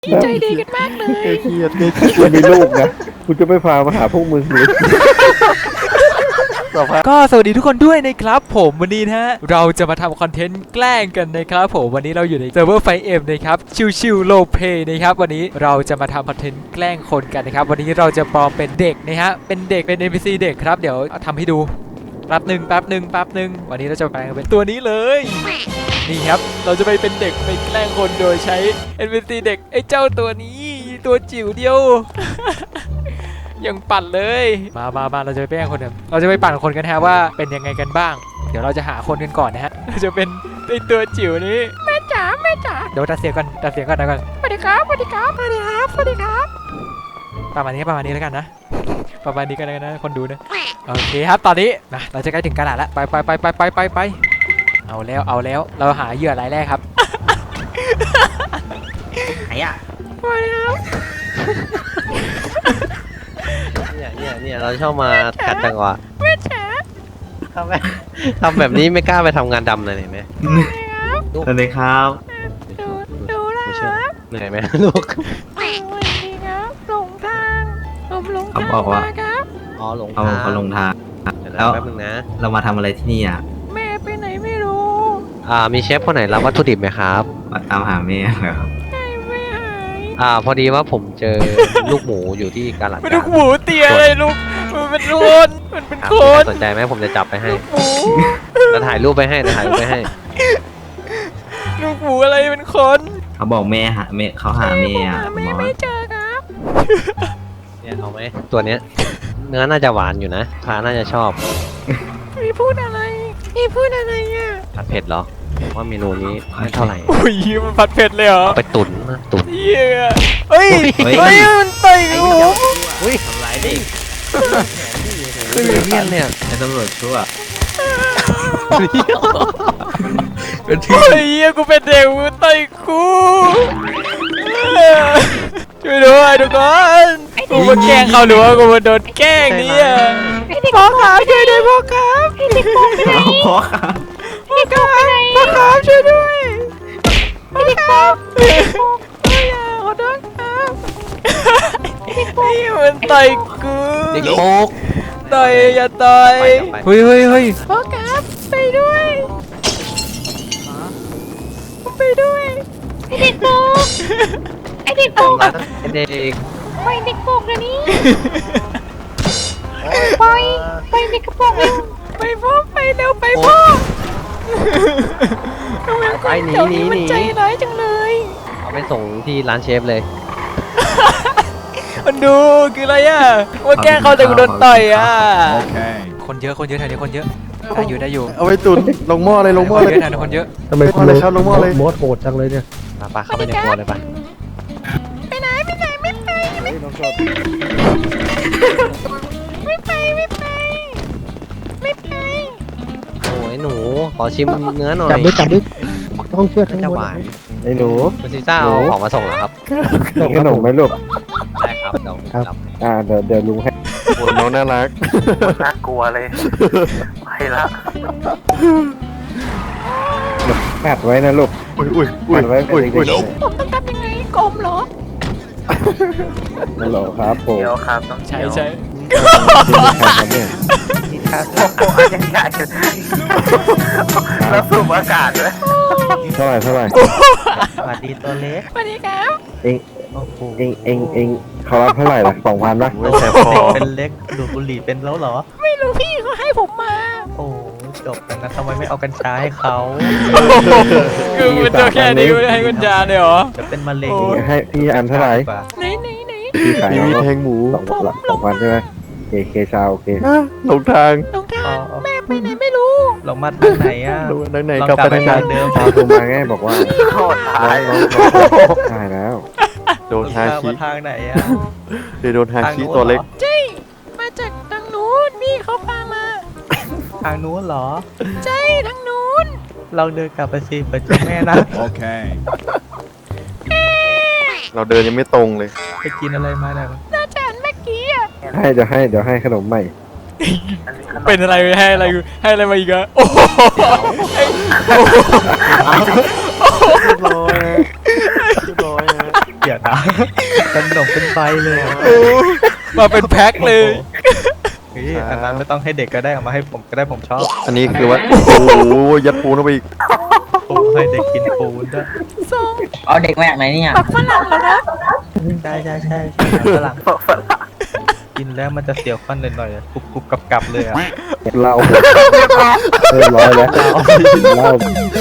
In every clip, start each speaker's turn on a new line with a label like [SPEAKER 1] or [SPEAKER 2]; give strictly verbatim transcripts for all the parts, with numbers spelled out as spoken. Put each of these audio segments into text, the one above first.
[SPEAKER 1] ใจดีกันมากเลย
[SPEAKER 2] เครียดกูมีลูกนะกูจะไม่พามาหาพวกมึงเลย
[SPEAKER 3] ก็สวัสดีทุกคนด้วยนะครับผมวันนี้นะฮะเราจะมาทำคอนเทนต์แกล้งกันนะครับผมวันนี้เราอยู่ในเซิร์ฟเวอร์ไฟเอ็มนะครับชิวๆโลเพย์นะครับวันนี้เราจะมาทำคอนเทนต์แกล้งคนกันนะครับวันนี้เราจะปลอมเป็นเด็กนะฮะเป็นเด็กเป็น เอ็น พี ซี เด็กครับเดี๋ยวทำให้ดูแป๊บหนึ่งแป๊บหนึ่งแป๊บหนึ่งวันนี้เราจะแปลงเป็นตัวนี้เลยนี่ครับเราจะไปเป็นเด็กไปแกล้งคนโดยใช้ เอ็น พี ซี เด็กไอ้เจ้าตัวนี้ตัวจิ๋วเดียว ยังปั่นเลยมามามาเราจะไปแป้งคนกันเราจะไปปั่นคนกันฮะว่าเป็นยังไงกันบ้างเดี๋ยวเราจะหาคนกันก่อนนะฮะเราจะเป็นไอตัวจิ๋วนี้แม่จ๋าแม่จ๋าเดี๋ยวตัดเสียงก่อนตัดเสียงก่อนนะก่อนสวัสดีครับสวัสดีครับสวัสดีครับสวัสดีครับประมาณนี้ประมาณนี้แล้วกันนะประมาณนี้กันนะคนดูนะโอเคครับตอนนี้นะเราจะใกล้ถึงกระดาษแล้วไปไปไปไปไปไปไปเอาแล้วเอาแล้วเราหาเหยื่อรายแรกครับ
[SPEAKER 4] ไหนอ่ะ
[SPEAKER 3] สวัสดีครับ
[SPEAKER 4] เนี่ยเนี่ยเนี่ยเราชอบมากัดจังหวะ
[SPEAKER 3] แม่จ๋า
[SPEAKER 4] ทำแบบทำแบบนี้ไม่กล้าไปทำงานดำเลยเห็นไหม
[SPEAKER 5] สวัสดีครับ
[SPEAKER 3] ดูดูนะค
[SPEAKER 4] เชื่อ
[SPEAKER 3] รับ
[SPEAKER 4] เหนื่อยไหมลูก
[SPEAKER 3] สวัสดีครับหลงทางผมหลงทาง
[SPEAKER 5] เขาบอกว่า
[SPEAKER 3] มาครับ
[SPEAKER 4] อ๋อหลง
[SPEAKER 5] เขา
[SPEAKER 4] ทาง
[SPEAKER 5] เขาลงทาง
[SPEAKER 4] เดี๋ยว
[SPEAKER 5] แล้ว
[SPEAKER 4] แป๊บนึงนะ
[SPEAKER 5] เรามาทำอะไรที่นี่อ่ะ
[SPEAKER 3] แม่ไปไหนไม่รู้
[SPEAKER 4] อ่ามีเชฟคนไหนรับวัตถุดิบไหมครับ
[SPEAKER 5] มาตามหาแม่เหรอ
[SPEAKER 3] แม่ไม่หาย
[SPEAKER 4] อ่าพอดีว่าผมเจอลูกหมูอยู่ที่กาลาด
[SPEAKER 3] มันลูกหมูเตี้ยเลยลูกมันเป็นคน มันเป็น
[SPEAKER 4] ครับ
[SPEAKER 3] คน
[SPEAKER 4] สนใจไหมผมจะจับไปให้
[SPEAKER 3] ลูกหมู
[SPEAKER 4] แล้วถ่ายรูปไปให้แล้วถ่ายรูปไปให้
[SPEAKER 3] ลูกหมูอะไรเป็นคน
[SPEAKER 5] เขาบอกแม่หาแม่เขาหาแม่อ่ะ
[SPEAKER 3] หาแม่
[SPEAKER 5] มอ
[SPEAKER 3] ไม่
[SPEAKER 5] ส
[SPEAKER 3] เจอครับ
[SPEAKER 4] เนี่ยเอาไหมตัวเนี้ยเนื้อน่าจะหวานอยู่นะพาน่าจะชอบ
[SPEAKER 3] มีพูดอะไรมีพูดอะไรอ่ะ
[SPEAKER 4] ผัดเผ็ดเหรอว่าเมนูนี้ไม่เท่าไหร่
[SPEAKER 3] อุ้ยมันผัดเผ็ดเลยเหรอ
[SPEAKER 4] เอาไปตุ๋นนะตุ๋น
[SPEAKER 3] เหี้ยเฮ้ยเฮ้ยมันต่อยหนู
[SPEAKER 4] อุ้ย
[SPEAKER 5] ทำไรเด็ก
[SPEAKER 4] คือเลี่ยนเนี่ย
[SPEAKER 5] ไอ้ตำรวจชั่ว
[SPEAKER 4] เป็น
[SPEAKER 3] เฮ้ยเหี้ยกูเป็นเด็กมึงต่อยกูช่วยด้วยทุกคนกูมาแกล้งเขาหรือว่ากูมาโดนแกล้งเนี่ยพ่อครับช่วยด้วยพ่อครับเด็กโป่งไปไหน
[SPEAKER 5] เอาพ่อครับ
[SPEAKER 3] พ่อครับพ่อครับช่วยด้วยพ่อครับอย่าขอโทษครับนี่มันต่อยกู
[SPEAKER 4] เด็กโป๊ก
[SPEAKER 3] ต่อยอย่าต่อย
[SPEAKER 4] ไปไป
[SPEAKER 3] เฮ้ยเฮ้ยเฮ้ยพ่อครับไปด้วยไปด้วยไอเด็กโป่งไอเด็กโป่ง
[SPEAKER 4] ทำร้ายเด็ก
[SPEAKER 3] ไปเด็กโป่งเดี๋ยวนี้ไปไปเด็กกระโปรงเร็วไปพ่อไปเร็วไปพ่อทำไม
[SPEAKER 4] ไปหนี
[SPEAKER 3] เจ้า
[SPEAKER 4] หนี
[SPEAKER 3] นี้
[SPEAKER 4] ห
[SPEAKER 3] มัน
[SPEAKER 4] นี
[SPEAKER 3] ใจร้ายจังเลย
[SPEAKER 4] เอาไปส่งที่ร้านเชฟเลย
[SPEAKER 3] มันดูคืออะไรอ่ะว่าแกล้งเขาแต่กูโดนต่อยอ่ะคนเยอะคนเยอะแถวนี้คนเยอะได้อยู่ได้อยู่
[SPEAKER 2] เอาไปตุนลงหม้อเลยลงหม้อ
[SPEAKER 3] คน
[SPEAKER 2] เลย
[SPEAKER 3] เยอะแถวนี้คนเยอะ
[SPEAKER 2] ทำไมคุณเลยครับลงหม้อเลย
[SPEAKER 6] มอสโหดจังเลยเนี่ย
[SPEAKER 4] มาปะเข้าไปในครัวเลยปะ
[SPEAKER 3] ไปไหนไปไหนไม่ไปไม่ไม่ไปไม่ไปไม่ไป
[SPEAKER 4] โอ้ยหนูขอชิมเนื้อหน่อย
[SPEAKER 6] จับด้วยจับด้วยต้องเชื่อทั้ง
[SPEAKER 4] จะ
[SPEAKER 6] หม
[SPEAKER 4] ห
[SPEAKER 6] ด
[SPEAKER 4] วาน
[SPEAKER 2] ไอ้หนู
[SPEAKER 4] คุณซิซ่าเอาของมาส่งเหรอครับ
[SPEAKER 2] กินขนมไหมลูก
[SPEAKER 4] ได้ครับเดี๋ยวครับ
[SPEAKER 2] อ่าเดี๋ยวเดี๋ยวลุงให้โอ้น้องน่ารัก
[SPEAKER 7] น่ากลัวเลย ไปละ
[SPEAKER 2] กัดไว้นะลูกอุ้ยอุ้ยอุ้ยอุ้ยอุ้ย
[SPEAKER 3] ผมต้องทำยังไงกลมเหรอ
[SPEAKER 2] ฮัลโหลครับผม
[SPEAKER 7] เดี๋ยวครับต้อง
[SPEAKER 3] ใช่
[SPEAKER 7] เดี๋ยว
[SPEAKER 3] ใช่
[SPEAKER 2] ใครครับเนี่ย
[SPEAKER 7] โอ้โหยังใหญ่แล้วสูบอากาศเลย
[SPEAKER 2] เท่าไหร่เท่าไหร่
[SPEAKER 5] สวัสดีตัวเล็ก
[SPEAKER 3] สวัสดีครับ
[SPEAKER 2] เองเองเองเองเขารับเท่าไหร่ล่ะสองพันป่ะ
[SPEAKER 5] แต่พอเป็นเล็กดูดบุหรี่เป็นแล้วเหรอ
[SPEAKER 3] ไม่รู้พี่เขาให้ผมมา
[SPEAKER 5] โอ้จบกันนะทำไมไม่เอากัญชาให้เขา
[SPEAKER 3] คือมันตัวแค่นี้ให้กุญแจเลยเหรอ
[SPEAKER 5] จะเป็นมะเร็ง
[SPEAKER 2] ให้พี่อันเท่าไหร่
[SPEAKER 3] ไหนไหนไหน
[SPEAKER 2] พี่ขาย
[SPEAKER 6] มีแทงหมู
[SPEAKER 2] สองสองพันใช่ไหมเคเคชาวโอเค
[SPEAKER 6] หลงทาง
[SPEAKER 3] ลงทางแม่ไปไหนไม่รู้
[SPEAKER 5] ลงมาทางไหนอ่ะ
[SPEAKER 6] ดูทางไหน
[SPEAKER 5] ลอง
[SPEAKER 6] กลับ
[SPEAKER 5] กลับ
[SPEAKER 6] ไป
[SPEAKER 5] ไป
[SPEAKER 6] ทาง
[SPEAKER 5] ทางเดิม
[SPEAKER 2] ชาวโทรมาไงบอกว่า
[SPEAKER 7] โคตร
[SPEAKER 2] น้
[SPEAKER 7] ตา
[SPEAKER 2] อย ง
[SPEAKER 7] เล
[SPEAKER 2] น้อง
[SPEAKER 7] ย
[SPEAKER 2] ได้แล้ว
[SPEAKER 6] โดนฮา
[SPEAKER 5] ทาง
[SPEAKER 6] คิ
[SPEAKER 5] มาทางไหนอ่ะ
[SPEAKER 6] เดี๋ยวโดนฮาคิตัวเล็ก
[SPEAKER 3] ใช่มาจากทางนู้นพี่เขาพามา
[SPEAKER 5] ทางนู้นเหรอ
[SPEAKER 3] ใช่ทางนู้น
[SPEAKER 5] ลองเดินกลับไปสิเปิดเจอแม่นะ
[SPEAKER 6] เราเดินยังไม่ตรงเลย
[SPEAKER 5] ไปกินอะไรมาเนี่ย
[SPEAKER 3] น่าจะอันเมื่อกี้อ่ะ
[SPEAKER 2] ให้เดี๋ยวให้เดี๋ยวให้ขนมใหม่
[SPEAKER 3] เป็นอะไรให้อะไรให้อะไรมาอีกอะโอ้โห
[SPEAKER 6] ร้อยร้อย
[SPEAKER 5] อย่าอย่านะขนมเป็นใบเลยอะ
[SPEAKER 3] โอ้มาเป็นแพ็คเลย
[SPEAKER 5] เฮ้ยอันนั้นไม่ต้องให้เด็กก็ได้เอามาให้ผมก็ได้ผมชอบ
[SPEAKER 6] อันนี้คือว่าโอ้โหยัดปูนเข้าไปอีก
[SPEAKER 5] ปูให้เด็กกินปูนด้วย
[SPEAKER 1] เอาเด็กมาจากไหนเนี่ย
[SPEAKER 5] ใช่ใช่ใช่ใช่ฝรั่งกินแล้วมันจะเสียวฟันหน่อยๆกรุบกรุบกับกับเลยอ่ะ
[SPEAKER 2] เหล้าเรียบร้อยแล้วเหล้า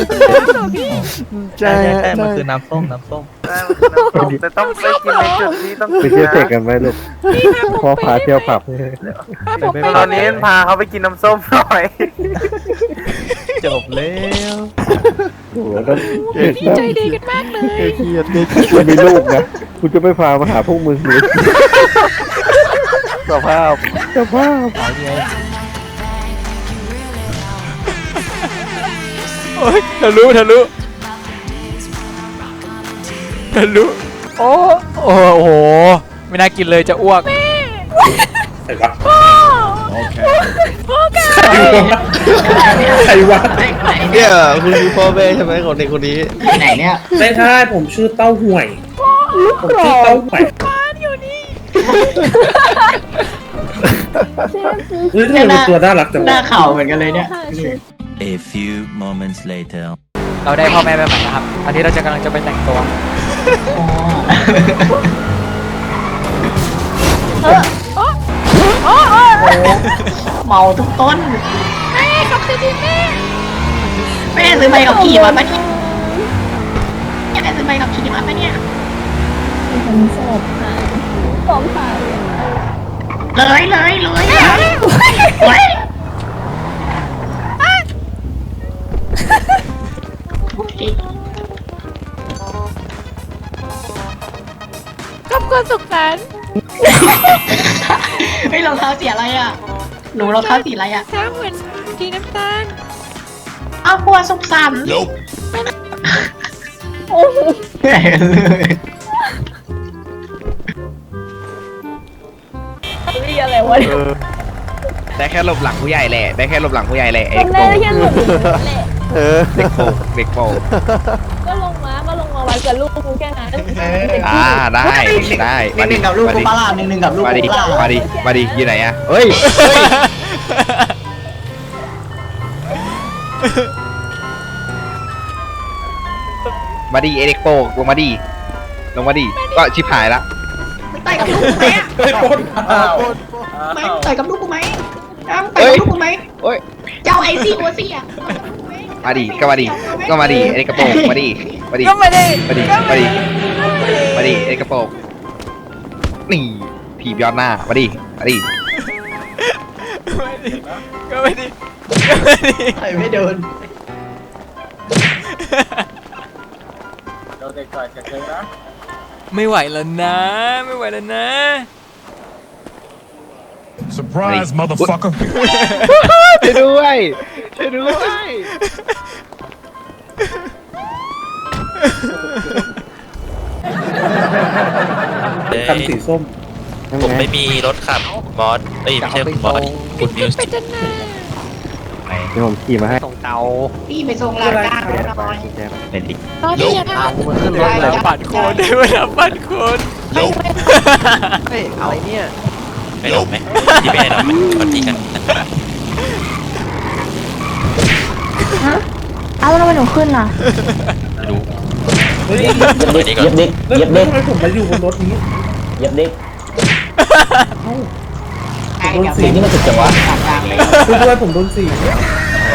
[SPEAKER 5] ใช่ใช่ใช่มันคือน้ำส้มน้ำส้ม
[SPEAKER 7] แต่ต้องไปกินในจุดที่ต้อง
[SPEAKER 2] ไปเที่ยวเตะกันไหมลูกพ่อพาเที่ยวผับ
[SPEAKER 7] ตอนนี้พาเขาไปกินน้ำส้มหน่อย
[SPEAKER 5] จบแล้ว
[SPEAKER 2] โอ้โหแล้ว
[SPEAKER 3] ใจดีกันมากเลย
[SPEAKER 6] เครียดเครียด
[SPEAKER 2] คุณมีลูกนะคุณจะไม่พามาหาพวกมึงเลย
[SPEAKER 6] สภาพ
[SPEAKER 2] สภาพ
[SPEAKER 3] โอ้ยทะลุทะลุทะลุโอ้โอ้โหไม่น่ากินเลยจะอ้วก
[SPEAKER 1] ใครวะไหน
[SPEAKER 4] เนี่ยคุณคือพ่อแม่ใช่ไหมของเด็กคนนี้
[SPEAKER 1] ไหนเนี่ย
[SPEAKER 8] ไม่ใช่ผมชื่อเต้าห่วย ผมชื่อเต้าห่วยเฮ้ยทำไมเป็นตัวน่ารักจัง
[SPEAKER 1] หน้าว
[SPEAKER 8] ะ
[SPEAKER 1] เข่าเหมือนกันเลยเนี่ย
[SPEAKER 9] A few moments later.
[SPEAKER 3] เราได้พ่อแม่ใหม่แล้วครับ อันนี้เราจะกำลังจะไปแต่งตัว
[SPEAKER 1] อ๋อเมาทุกต้นแม่กับซื้อแม่แม่ซื้อใบขับขี่มาปะเนี่ยแม่ซื้อใบขับขี่มาปะเนี่ยเลยเลยเลยเฮ้ยโอเค
[SPEAKER 10] กับคนสุขสันต์
[SPEAKER 1] เฮ้ยรองเท้าสีอะไรอ่ะ หนูรองเท้าสีอะไรอ่ะ
[SPEAKER 10] ช้างเหมือนสีน้ำตาล
[SPEAKER 1] เอาบัวสุขสันต์โอ้โหแย่เลย
[SPEAKER 10] นี่อะไรวะเนี่ย
[SPEAKER 7] ได้แค่หลบหลังผู้ใหญ่แหละได้แค่หลบหลังผู้ใหญ่แหละไอ้
[SPEAKER 10] จำได้แค่หลุดอยู่นั่นแหละ
[SPEAKER 6] เออ
[SPEAKER 7] เด็กโปกเด็กโปก
[SPEAKER 10] ก็ลงมาก็ลงมาไว้กับลูกกูแค่นั้น
[SPEAKER 7] อ่าได้ได้
[SPEAKER 1] หนึ่งหนึ่งกับลูกกูปลาล่าหนึ่งหนึ่งกับลูก
[SPEAKER 7] มาดิ
[SPEAKER 1] กูปลาล่า
[SPEAKER 7] มาดิมาดิอยู่ไหนอะเฮ้ยมาดิไอเด็กโปกลงมาดิลงมาดิก็ชิบหายละ
[SPEAKER 1] ไม่ต่อยกับลูกกูไหมอ่ะ
[SPEAKER 8] เฮ้ยปน
[SPEAKER 1] ไม่ต่อยกับลูกกูไหมอ้าวต่อยกับลูกกูไหม
[SPEAKER 7] โอ้ย
[SPEAKER 1] เจ้าไอซี่โอซี่อ่ะ
[SPEAKER 7] มาดิก็มาดิก็มาดิไอเด็กกระโปรงมาดิมาดิ
[SPEAKER 3] ก็ไม่ได้
[SPEAKER 7] มาดิมาดิมาดิไอเด็กกระโปรงนี่ผีย้อนหน้ามาดิมาดิ
[SPEAKER 3] ไม่ดีก็ไม่ดีก็ไม่ดี
[SPEAKER 1] ต่อยไม่โดน
[SPEAKER 3] ไม่ไหวแล้วนะ ไม่ไหวแล้วนะ
[SPEAKER 9] Surprise, motherfucker.
[SPEAKER 7] ช่วยด้วยช่วยด้วย
[SPEAKER 8] คันสีส้ม
[SPEAKER 2] ผมไม่มี
[SPEAKER 3] รถขับ
[SPEAKER 4] บอสเอ้ยไม่ใช่บอสคุณนิวส์
[SPEAKER 10] ไปจนหน้า
[SPEAKER 2] เดี๋ยวผมขี่มาให้
[SPEAKER 4] ส่งเตา
[SPEAKER 1] พี่ไปส่งหลานจ้างหน่อย
[SPEAKER 4] เป็นดิ
[SPEAKER 10] ตอนนี้ยังท
[SPEAKER 3] มันขึ้นรถแล้วปั่นโคนได้เวลาปั่นโคน
[SPEAKER 4] เฮ้ยอะไรเนี่ยไปหลบไหมที่ไม่ได้หลบไหมวันที่กัน
[SPEAKER 10] ำเอาแล้วทำไมหนูขึ้นล่ะ
[SPEAKER 4] ไม่รู้
[SPEAKER 8] เฮ้ย
[SPEAKER 4] ไปดีก่อน
[SPEAKER 1] เย็บเด็ก
[SPEAKER 8] แล้ว
[SPEAKER 1] เย็บ
[SPEAKER 8] แล้
[SPEAKER 1] เด็
[SPEAKER 8] ว
[SPEAKER 1] ก
[SPEAKER 8] ทำไมผมมาอยู่บนรถนี้
[SPEAKER 1] เย็บเด็ก
[SPEAKER 8] โดนสี
[SPEAKER 1] นี่มันสุดจังวะกลางเลย
[SPEAKER 8] ช่วยด้วยผมโดนสี
[SPEAKER 1] นี่เนี่ย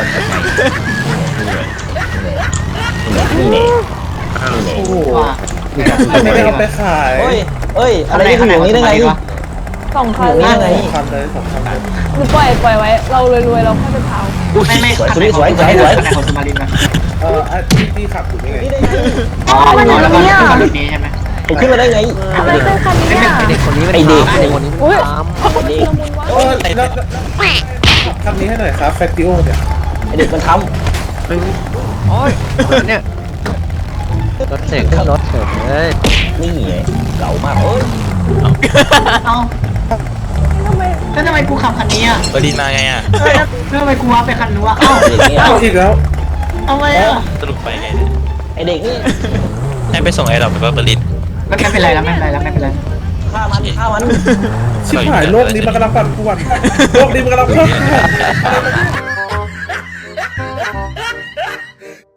[SPEAKER 8] โอ้โห
[SPEAKER 1] ว่า
[SPEAKER 8] ไม่ได้เอาไปขาย
[SPEAKER 1] เฮ้ยเฮ้ยอะไรที่อยู่นี่ได้ไงวะ
[SPEAKER 10] สองคัน
[SPEAKER 1] นี่ได้ไง
[SPEAKER 8] สองคันเลยสองคันเลย
[SPEAKER 10] หนูปล่อยปล่อยไว้ เรารวยๆเราค่อยไปเผา
[SPEAKER 1] ไม่ไม่สวยสวยสวยสวยสวยของสุมารินมา
[SPEAKER 8] เอออ่ะที่ที่ขับอยู่นี่ไง
[SPEAKER 1] อ๋อแล้วก็ขึ้นมารุ่นนี้ใช่ไหมขึ้นมาได้ไง
[SPEAKER 10] ทำไมเป็นคันนี้อ่ะ
[SPEAKER 4] เด็กคนนี้มัน
[SPEAKER 1] ไอเด็ก
[SPEAKER 4] เด็กคนนี้มัน
[SPEAKER 10] อุ้ย
[SPEAKER 4] ตาม
[SPEAKER 10] เขาเป็นละมุนวะ
[SPEAKER 8] เออแล้วคันนี้ให้หน่อยครับแฟคติโอเนี่ย
[SPEAKER 1] ไอเด็กมันท
[SPEAKER 4] โอ้ยเนี่ยรถเสกรถเสกเฮ้ย
[SPEAKER 1] ำนี่ไงเก่ามากเอ้ยเอาแล้วทำไมกูขับคันนี้อ่ะ
[SPEAKER 4] บดินมาไงอ่ะ
[SPEAKER 1] แล้วทำไมกูว่าไปคันนู้นวะเอ้า
[SPEAKER 8] เอาอีกแล้ว
[SPEAKER 1] ทำไมอ่ะ
[SPEAKER 4] สรุปไปไงเนี่ย
[SPEAKER 1] ไอเด็กนี่
[SPEAKER 4] ให้ไปส่งไอ้ดอกไปว่าบดิน
[SPEAKER 1] ไม่ไม่เป็นไรแล้วไม่เป็นไรแล้วไม่เป็นไร
[SPEAKER 8] ชิบหายโลกนี้มันกำลังปั่นป่วนโลกนี้มันกำลังเพิ่ม